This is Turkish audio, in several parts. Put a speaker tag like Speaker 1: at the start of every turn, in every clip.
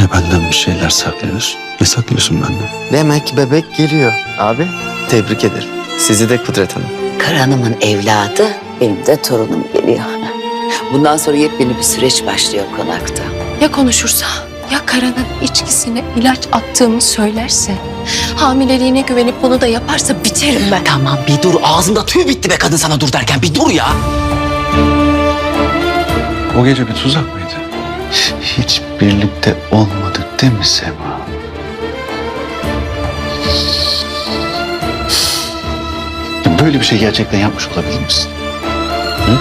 Speaker 1: Yine benden bir şeyler saklıyorsun. Ne saklıyorsun benden?
Speaker 2: Demek bebek geliyor. Abi tebrik ederim. Sizi de Kudret Hanım.
Speaker 3: Karanımın evladı, benim de torunum geliyor. Bundan sonra yepyeni bir süreç başlıyor konakta.
Speaker 4: Ya konuşursa, ya Karan'ın içkisine ilaç attığımı söylerse, hamileliğine güvenip bunu da yaparsa biterim ben.
Speaker 5: Tamam bir dur. Ağzımda tüy bitti be kadın sana dur derken. Bir dur ya.
Speaker 1: O gece bir tuzak mıydı? Hiç birlikte olmadık değil mi Sema? Böyle bir şey gerçekten yapmış olabilir misin? Hı?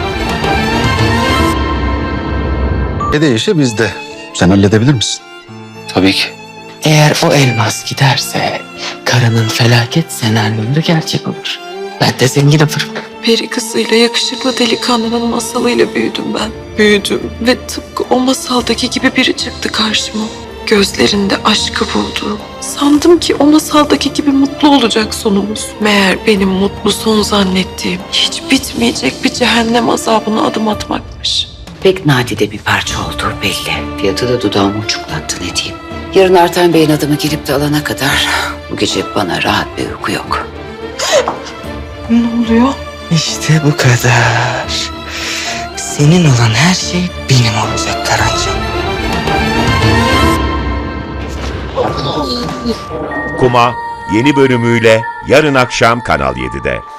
Speaker 1: İşi bizde. Sen halledebilir misin? Tabii ki.
Speaker 5: Eğer o elmas giderse karının felaket senaryoları gerçek olur. Ben de zengin olurum.
Speaker 6: Peri kızıyla yakışıklı delikanlının masalıyla büyüdüm ben. Büyüdüm ve tıpkı o masaldaki gibi biri çıktı karşıma. Gözlerinde aşkı buldum. Sandım ki o masaldaki gibi mutlu olacak sonumuz. Meğer benim mutlu son zannettiğim hiç bitmeyecek bir cehennem azabına adım atmakmış.
Speaker 3: Pek nadide bir parça olduğu belli. Fiyatı da dudağımı uçuklattı ne diyeyim. Yarın Artan Bey'in adımı gelip de alana kadar bu gece bana rahat bir uyku yok.
Speaker 6: Ne oluyor?
Speaker 5: İşte bu kadar. Senin olan her şey benim olacak Karancığım.
Speaker 7: Kuma yeni bölümüyle yarın akşam Kanal 7'de.